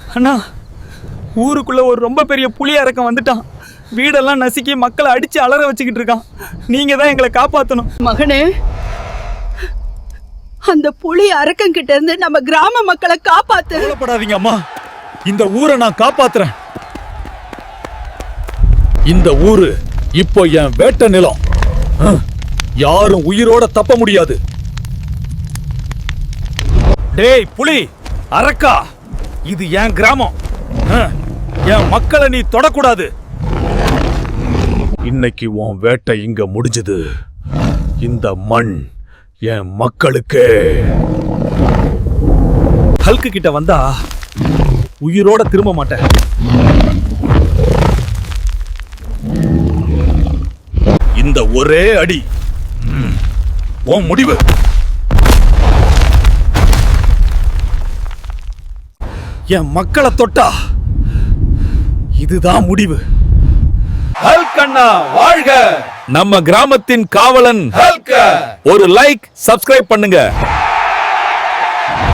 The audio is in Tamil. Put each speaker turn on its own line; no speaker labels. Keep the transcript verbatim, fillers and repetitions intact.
அண்ணா, ஊருக்குள்ள ஒரு ரொம்ப பெரிய புலி அரக்கன் வந்துட்டான். வீடெல்லாம் நசுக்கி மக்களை அடிச்சு அலற வச்சுக்கிட்டு இருக்கான். நீங்க தான் எங்களை காப்பாற்றணும்.
மகனே, அந்த புலி அரக்கன் கிட்ட இருந்து நம்ம கிராம மக்களை காப்பாத்து.
கவலைப்படாதீங்க அம்மா, இந்த ஊரை நான் காப்பாத்துறேன். இந்த ஊரு இப்போ என் வேட்ட நிலம். யாரும் உயிரோட தப்ப முடியாது. டேய் புலி அரக்கா, இது என் கிராமம். என் மக்களை நீ தொடக்கூடாது. இன்னைக்கு உன் வேட்டை இங்க முடிஞ்சது. இந்த மண் என் மக்களுக்கு. ஹல்கு கிட்ட வந்தா உயிரோட திரும்ப மாட்டேன். இந்த ஒரே அடி உன் முடிவு. என் மக்களை தொட்டா இதுதான் முடிவு.
ஹல்க் அண்ணா வாழ்க!
நம்ம கிராமத்தின் காவலன்
ஹல்க்!
ஒரு லைக், சப்ஸ்கிரைப் பண்ணுங்க.